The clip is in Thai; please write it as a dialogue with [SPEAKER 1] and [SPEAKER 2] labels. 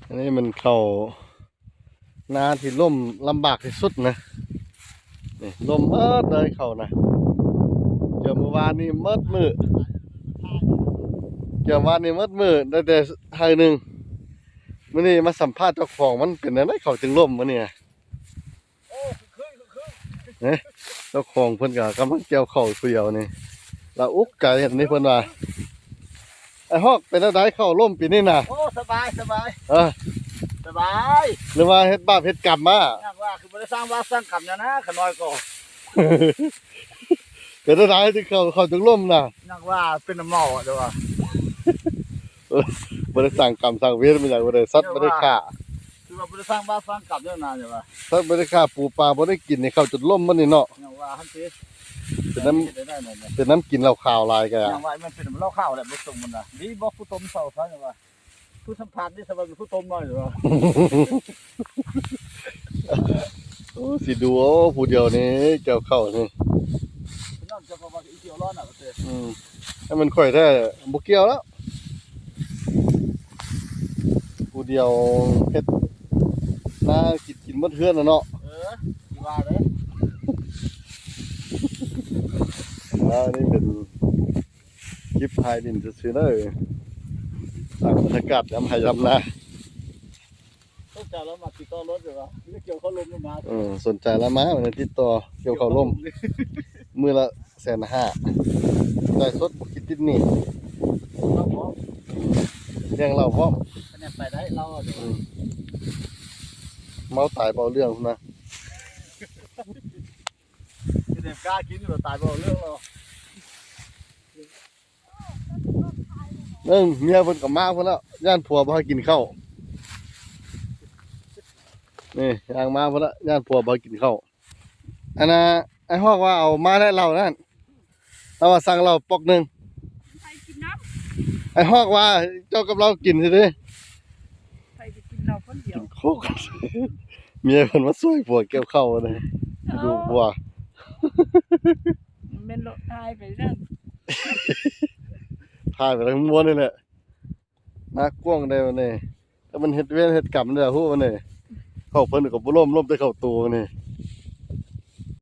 [SPEAKER 1] อันนี้มันเข้านาที่ล่มลำบากที่สุดนะนี่ล่มเมิดเลยเข้านะเกี่ยวเมื่อวานนี้เมิดมือเกี่ยววานนี้เมิดมือได้แต่ไทยหนึ่งมื่อนี้มาสัมภาษณ์เจ้าของมันเป็นอะไรเขาจึงล่มมื่อนี้เนี่ยเจ้าของเพิ่นก็กำลังเกี่ยวเข้าเดียวนี่เราอุกไก่เห็นนี่เพิ่นว่าไอ้ฮอกเป็นอะไรเข้าล่มปีนี้น่ะ
[SPEAKER 2] โอ้สบายสบายสบาย
[SPEAKER 1] หรือว่าเฮ็ดบาปเฮ็ดกรรมมา
[SPEAKER 2] อยากว่าคือบ่ได้สร้างบ้านสร้างกรรมนะขน้อยก็
[SPEAKER 1] เป็นอะไรที่เขาจึงล่มน่ะ
[SPEAKER 2] อยากว่าเป็นน้ำเมาเด้อว่า
[SPEAKER 1] บ่ได้สั่งกรรมสั่งเวรมาจากบ่ได้สัตว์บ่ได้ฆ่า
[SPEAKER 2] คือว่าบ่ได้สร้างบ้านสร้างกรรมเด้อนะจ้ะว่า
[SPEAKER 1] สัตว์บ่ได้ฆ่าปูปลาบ่ได้กินนี่เขาจนล่มมันนี่เนาะ
[SPEAKER 2] อยากว่าหั่นสิ
[SPEAKER 1] เป็นน้ำกินเหล้าขาวลายกัน
[SPEAKER 2] อยากว่ามันเป็นน้ำเหล้าข้าวแหละบ่ส่งมันน่ะดีบ่ผู้ต้มเซาซะจ้ะว่าผู้สัมภาษณ์นี่สบายผู้ต้มน้อยเด้อว่า
[SPEAKER 1] โอ้สิดูโอ้ผู้เดียวนี่เกี่ยวเข้านี่
[SPEAKER 2] นั่นจะว่าอีเกี่ยวร้อนน่ะว่าแต่
[SPEAKER 1] ให้มันค่อยแท้บ่เกี่ยวแล้วผู้เดียวเฮ็ดน่ากินหมดเฮือนน่ะเนาะ
[SPEAKER 2] สิว่าเด้
[SPEAKER 1] นี่เป็นคลิปถ่ายดินซื่อๆเด้อสร้างบรรยากาศยามให้ยามนา
[SPEAKER 2] ต้องจ่ายแล้วมาติดต่อรถเด้อว่าเกี่ยวเขาลมลงมา
[SPEAKER 1] สนใจแล้วมาวันติดต่อเกี่ยวข้าวล่มมื้อละ150,000ได้สดบ่คิดติดหนี้
[SPEAKER 2] เราพร้อม
[SPEAKER 1] เลี้ยงเราพร้อม
[SPEAKER 2] คะแนนไปได้เราเด้อ
[SPEAKER 1] เมาตายเปล่าเรื่องพุ่นนะ
[SPEAKER 2] คะแนนกล้ากินเราตายบ่เรื่องเรา
[SPEAKER 1] เมียเพิ่นก็มาเพิ่นแล้วย่านผัวบ่ให้กินข้าวนี่ย่างมาเพิ่นละย่านผัวบ่ให้กินข้าวอันน่ะไอ้ฮอกว่าเอามาได้เหล้านั่นเราว่าสั่งเหล้าปอกนึง
[SPEAKER 3] ไปกินน้
[SPEAKER 1] ไอ้ฮอกว่าเจ้ากับเรากินซิเด้
[SPEAKER 3] ำไปกินเราคนเดียว
[SPEAKER 1] โคกเมียเพิ่นมาช่วยผัวเกี่ยวข้าวเลยดูผัว
[SPEAKER 3] มันเป็นโรคตายไปนั่น
[SPEAKER 1] ถ่ายไปทั้งม้วนนี่แหละน่ากว้างได้วันนี้ถ้ามันเฮ็ดเวรเฮ็ดกรรมได้ฮู้วันนี้เข้าเพิ่นก็บ่ล้มแต่เข้าตัวนี่